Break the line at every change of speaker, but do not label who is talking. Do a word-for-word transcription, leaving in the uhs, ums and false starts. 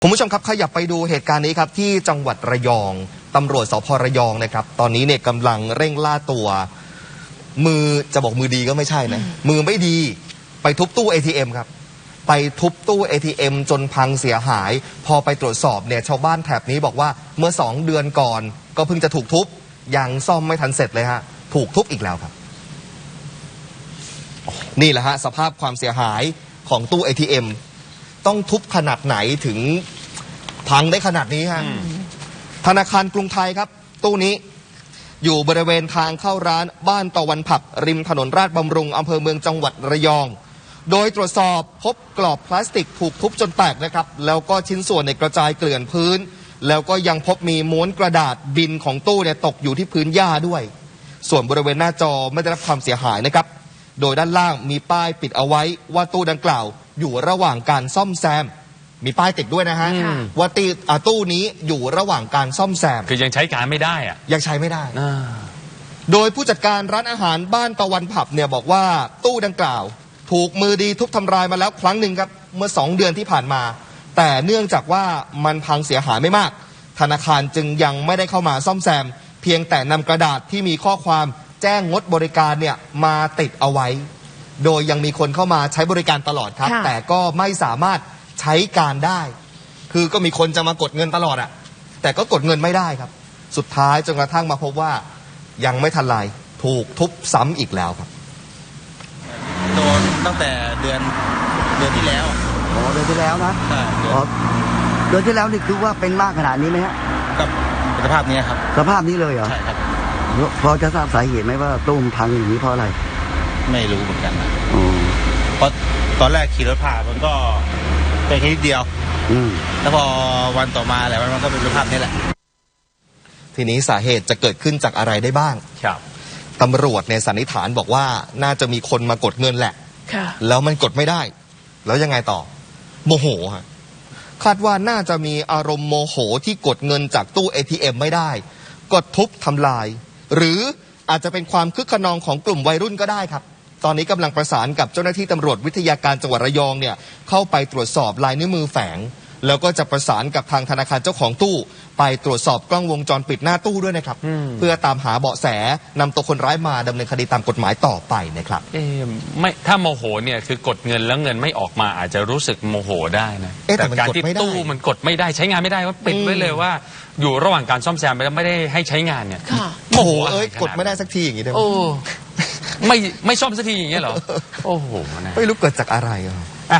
คุณผู้ชมครับขยับไปดูเหตุการณ์นี้ครับที่จังหวัดระยองตำรวจสภระยองนะครับตอนนี้เนี่ยกำลังเร่งล่าตัวมือจะบอกมือดีก็ไม่ใช่นะมือไม่ดีไปทุบตู้ เอ ที เอ็ม ครับไปทุบตู้ เอ ที เอ็ม จนพังเสียหายพอไปตรวจสอบเนี่ยชาวบ้านแถบนี้บอกว่าเมื่อสองเดือนก่อนก็เพิ่งจะถูกทุบยังซ่อมไม่ทันเสร็จเลยฮะถูกทุบอีกแล้วครับนี่แหละฮะสภาพความเสียหายของตู้ เอ ที เอ็ม ต้องทุบขนาดไหนถึงพังได้ขนาดนี้ฮะธนาคารกรุงไทยครับตู้นี้อยู่บริเวณทางเข้าร้านบ้านตะวันผักริมถนนราชบำรุงอำเภอเมืองจังหวัดระยองโดยตรวจสอบพบกรอบพลาสติกถูกทุบจนแตกนะครับแล้วก็ชิ้นส่วนในกระจายเกลื่อนพื้นแล้วก็ยังพบมีม้วนกระดาษบินของตู้เนี่ยตกอยู่ที่พื้นหญ้าด้วยส่วนบริเวณหน้าจอไม่ได้รับความเสียหายนะครับโดยด้านล่างมีป้ายปิดเอาไว้ว่าตู้ดังกล่าวอยู่ระหว่างการซ่อมแซมมีป้ายติดด้วยนะฮะว่าตีตู้นี้อยู่ระหว่างการซ่อมแซม
คือยังใช้การไม่ได้อะ
ยังใช้ไม่ได้โดยผู้จัดการร้านอาหารบ้านตะวันผับเนี่ยบอกว่าตู้ดังกล่าวถูกมือดีทุบทำลายมาแล้วครั้งหนึ่งครับเมื่อสองเดือนที่ผ่านมาแต่เนื่องจากว่ามันพังเสียหายไม่มากธนาคารจึงยังไม่ได้เข้ามาซ่อมแซมเพียงแต่นำกระดาษที่มีข้อความแจ้งงดบริการเนี่ยมาติดเอาไว้โดยยังมีคนเข้ามาใช้บริการตลอดครับแต่ก็ไม่สามารถใช้การได้คือก็มีคนจะมากดเงินตลอดอะแต่ก็กดเงินไม่ได้ครับสุดท้ายจนกระทั่งมาพบว่ายังไม่ทันไรถูกทุบซ้ำอีกแล้วครับ
โดนตั้งแต่เดือนเดือนที่แล้ว
อ๋อเดือนที่แล้วนะ
ใช่
เดือนที่แล้วนี่คือว่าเป็นมากขนาดนี้ไหมฮะ
กับสภาพนี้ครับ
สภาพนี้เลยเหรอ
ใช่ครับ
พอจะทราบสาเหตุไหมว่าตู้พังอย่างนี้เพราะอะไร
ไม่รู้เหมือนกันนะเพราะตอนแรกขี่รถผ่านมันก็เป็นแค่นิดเดียวแล้วพอวันต่อมาแหละมันก็เป็นสภาพนี้แหละ
ทีนี้สาเหตุจะเกิดขึ้นจากอะไรได้บ้าง
ครับ
ตำรวจในสันนิษฐานบอกว่าน่าจะมีคนมากดเงินแหละแล้วมันกดไม่ได้แล้วยังไงต่อโมโหฮะคาดว่าน่าจะมีอารมณ์โมโหที่กดเงินจากตู้ เอ ที เอ็ม ไม่ได้กดทุบทำลายหรืออาจจะเป็นความคึกขนองของกลุ่มวัยรุ่นก็ได้ครับตอนนี้กำลังประสานกับเจ้าหน้าที่ตำรวจวิทยาการจังหวัดระยองเนี่ยเข้าไปตรวจสอบลายนิ้วมือแฝงแล้วก็จะประสานกับทางธนาคารเจ้าของตู้ไปตรวจสอบกล้องวงจรปิดหน้าตู้ด้วยนะครับเพื่อตามหาเบาะแสนำตัวคนร้ายมาดำเนินคดีตามกฎหมายต่อไปนะครับ
เอ๊ะไม่ถ้าโมโหเนี่ยคือกดเงินแล้วเงินไม่ออกมาอาจจะรู้สึกโมโหได้นะแต่การที่ตู้มันกดไม่ได้ใช้งานไม่ได้ว่าปิดไว้เลยว่าอยู่ระหว่างการซ่อมแซมไปแล้วไม่ได้ให้ใช้งานเนี่ย
โมโหเอ้ยกดไม่ได้สักทีอย่างนี้ได้ไหม
ไม่ไม่ซ่อมสักทีอย่างเงี้ยเหรอโอ้โห
ไม่รู้เกิดจากอะไรอ่ะ